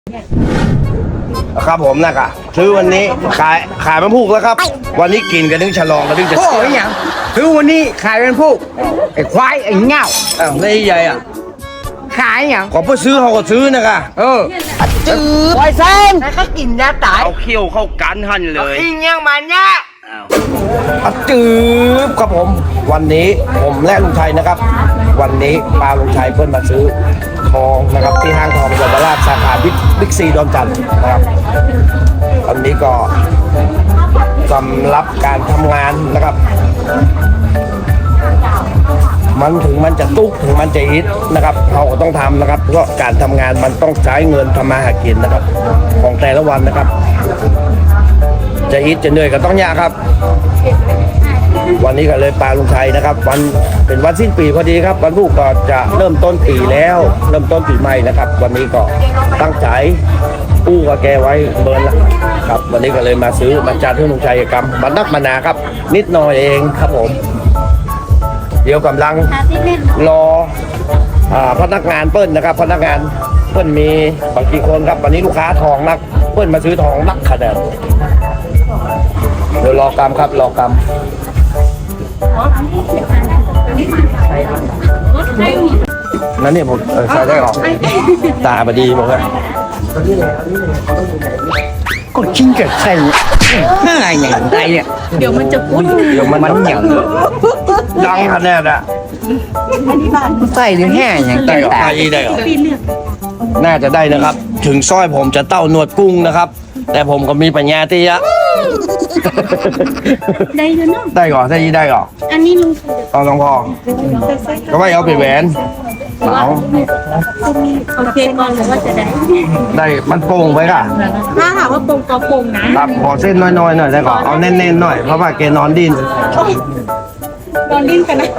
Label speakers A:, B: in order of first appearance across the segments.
A: ครับผมนะครับซื้อวันนี้ขายมันพูกแล้วครับวันนี้กินกันนึงฉลองกันนึงจะ
B: โอ้ยอย่างซื้อวันนี้ขายเป็นผู้ไอ้ควายไอ้เง่า
A: อ้าวไม่ใหญ่อ่ะ
B: ขายอย่าง
A: ขอเพื่อซื้อเขาก็ซื้อนะคะ
B: จืดควายเส้นแล้วก็กินยาตาย
A: เอาเขี้ยวเข้ากันหันเลย
B: กินยังมันเนี่ย
A: จืบครับผมวันนี้ผมและลุงชัยนะครับ วันนี้ปาลุงชัยเพื่อนมาซื้อทองนะครับที่ห้างทองเยาวราชสาขาบิ๊กซีดอนจันทร์นะครับวันนี้ก็สำหรับการทำงานนะครับมันถึงมันจะตุ๊กถึงมันจะฮิตนะครับเราก็ต้องทำนะครับเพราะการทำงานมันต้องใช้เงินทำมาหากินนะครับของแต่ละวันนะครับจะฮิตจะเหนื่อยก็ต้องยากครับวันนี้ก็เลยปาลุงชัยนะครับวันเป็นวันสิ้นปีพอดีครับวันพุธก็จะเริ่มต้นปีแล้วเริ่มต้นปีใหม่นะครับวันนี้ก็ตั้งใจกู้กับแกไว้เบิร์นละครับวันนี้ก็เลยมาซื้อมาจัดให้ลุงชัยกรรมมานักมานาครับนิดหน่อยเองครับผมเดี๋ยวกำลังรอพนักงานเปิ้ลนะครับพนักงานเปิ้ลมีบางกี่คนครับวันนี้ลูกค้าทองนักเปิ้ลมาซื้อทองนักขนาดเดี๋ยวรอกรรมครับรอกรรมนั่นเนี่ยผมใส่ได้หรอตาบดีบอกว่า
B: ก็กินกับใครอะไรอย่างไรเนี่ย
C: เดี๋ยวมันจะพุด
A: เดี๋ยวมัน
B: อย่าง
A: ดังขนาดอ่ะ
B: ใส่หรือแห่อย่าง
A: ได้หรอ
B: ตา
A: ได้หรอน่าจะได้นะครับ ถึงสร้อยผมจะเต้าหนวดกุ้งนะครับ แต่ผมก็มีปัญญาที่จะ
C: ได้อยู่เนาะ
A: ได้ก่อนได้ยี่ได้ก่อน
C: อันนี้ลุง
A: เอาลองพอก็ไม่เอาไปแหวนเอา
C: โอเคก่อนหรือว่าจะได้
A: ได้มันโป่งไปค่ะ
C: ถ้าถามว่าปงก็ปงนะครับ
A: ขอเส้นน้อยๆหน่อยได้ก่อนเอาแน่นๆหน่อยเพราะว่าแกนอนดิ้น
C: นอนดิ้นกันนะ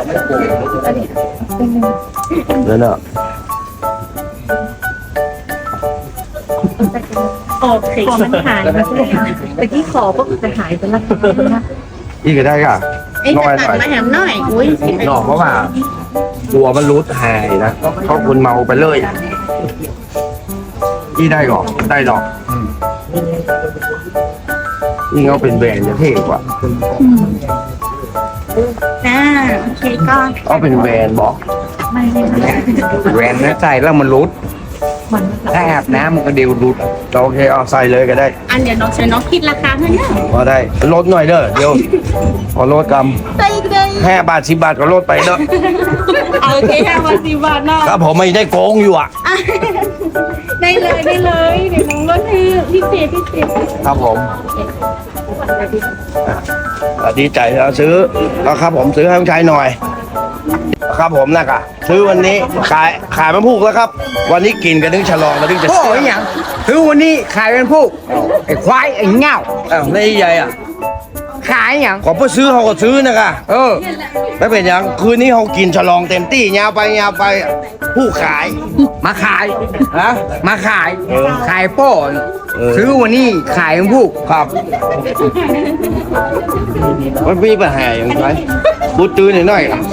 A: เดี๋ยวเนอะ
C: โอเคขอมันหายนะแต่ที่ขอก็จะหายไปละ
A: อีกก็ได้ค่ะ
C: ไอ้
A: น้อย
C: จะ
A: ห
C: ตั
A: น่อย
C: ดมาแหมหน่อยอุ้ย
A: นอกเพราะว่ากลัวมันรุดหายนะเขาคุณเมาไปเลยอีได้ก่อนได้ดอกนี่เขาเป็นแบรนด์จะเท่กว่า
C: โอเคก็
A: เขาเป็นแบรนด์บอก
B: แหวนนั้นใส่แล้วมันรุดถ้าอาบน้ำมันก็เดียวรุด
A: โอเคเอาใส่เลยก็ได้
C: อันเดี๋ยวน้องใช้น้องคิดราคาให้นะ
A: พอได้ลดหน่อยเด้อเดี๋ยวขอลดก
C: ได้ได้
A: ำ5 บาท 10 บาทก็ลดไปเด้อ
C: โอเคค่ะวัน10 บาทเนาะ
A: ครับผมไม่ได้โกงอยู่อ่ะ
C: ได้เลยเดี๋ยวน้องลดให้พิเศษ
A: ครับผมดีใจเราซื้อแล้วครับผมซื้อให้ลุงชัยหน่อยครับผมนะครับซื้อวันนี้ขายมันพูกแล้วครับ วันนี้กินกันนึงฉลองกันนึงจะ
B: โอ้ยอย่างซื้อวันนี้ขายเป็นผู้ไอ้ควายไอ้เง่า
A: อ้าวไม่ใหญ่อ่ะ
B: ขายอย่าง
A: ขอเพื่อซื้อเขาก็ซื้อนะคะไม่เป็นอย่างคืนนี้เขากินฉลองเต็มที่ยาวไปผู้ขาย
B: มาขาย
A: ฮะ
B: มาขายขายโป้ซื้อวันนี้ขายเป็นผู้
A: ครับมันมีปัญหาอย่างไรบูตื้อหน่อยๆ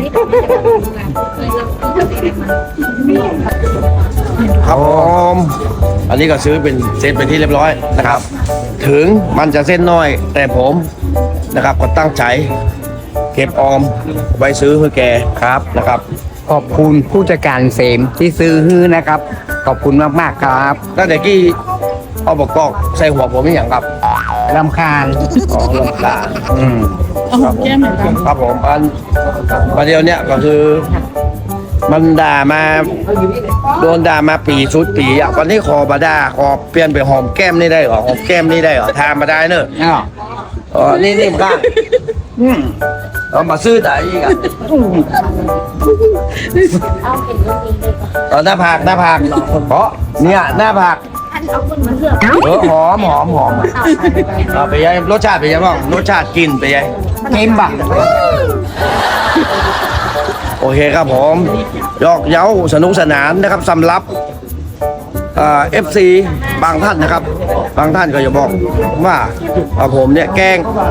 A: ครับผมอันนี้ก็ซื้อเป็นเซตเป็นที่เรียบร้อยนะครับ ถึงมันจะเส้นน้อย แต่ผมนะครับก็ตั้งใจเก็บออมไว้ซื้อเพื่อแกครับนะครับ
B: ขอบคุณผู้จัดการเสมที่ซื้อฮื้อนะครับ ขอบคุณมากๆครับ
A: ตั้งแต่กี้เอาบอกกอกใส่หัวผมไม่อย่างครับ
B: รำคาญ
A: อ๋อลำตา
C: เอาหัวแก้มเหมือนกัน
A: ครับผมอันเดียวเนี่ยก็คือมันด่ามาโดนด่ามาปีชุดปีอ่ะวันนี้ขอบาด่าขอเปลี่ยนไปหอมแก้มนี่ได้เหรอหอมแก้มนี่ได้เหรอทานมาได้เนอะ
B: อ้าว
A: อ๋อนี่มันข้างเอามาซื้อได้อีกอ่ะหน้าผากเพราะเนี่ยหน้าผากหอมเอาไปยัยรสชาติไปยัยบ้างรสชาติกินไปยัย
B: เกมบัก
A: โอเคครับผมยอกเย้าสนุกสนานนะครับสำหรับFC บางท่านนะครับ บางท่านก็จะบอกว่าผมเนี่ยแก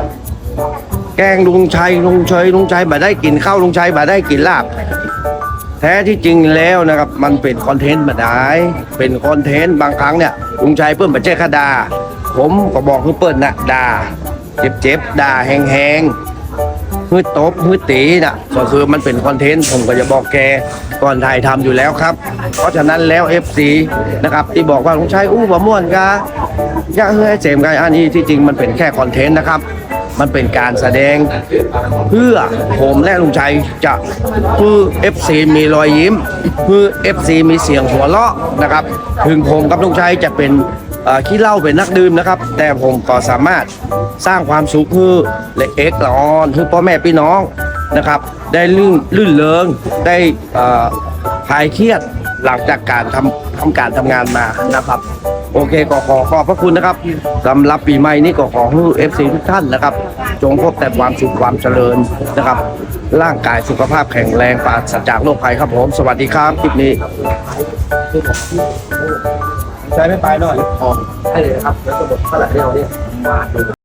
A: ล้งลุงชัยบ่ได้กินข้าวลุงชัยบ่ได้กินลาบแท้ที่จริงแล้วนะครับมันเป็นคอนเทนต์มาได้เป็นคอนเทนต์บางครั้งเนี่ยลุงชัยเปิ้ลประเจ้คดาผมก็บอกคือเปิ้ลนะด่าเจ็บๆด่าแหงๆฮือตบฮือตีน่ะก็คือมันเป็นคอนเทนต์ผมก็จะบอกแกก่อนถ่ายทำอยู่แล้วครับเพราะฉะนั้นแล้ว FC นะครับที่บอกว่าลุงชัยอู้บ่ม่วนกะอย่าเฮ้ยเจมส์กันอันนี้ที่จริงมันเป็นแค่คอนเทนต์นะครับมันเป็นการแสดงเพื่อผมและลุงชัยจะเพื่อ FC มีรอยยิ้มเพื่อ FC มีเสียงหัวเราะนะครับถึงผมกับลุงชัยจะเป็นขี้เหล้าเป็นนักดื่มนะครับแต่ผมก็สามารถสร้างความสุขให้เล็กเอ็กละออนให้พ่อแม่พี่น้องนะครับได้ลื่นเริงได้คลายเครียดหลังจากการทำการทำงานมานะครับโอเคก็ขอบพระคุณนะครับสำหรับปีใหม่นี้ก็ขอให้ FC ทุกท่านนะครับจงพบแต่ความสุขความเจริญนะครับร่างกายสุขภาพแข็งแรงปราศจากโรคภัยครับผมสวัสดีครับคลิปนี้ใช้ไม่ไปหน่อยให้เลยครับแล้วก็หมดเท่าไหร่เดียวเนี่ย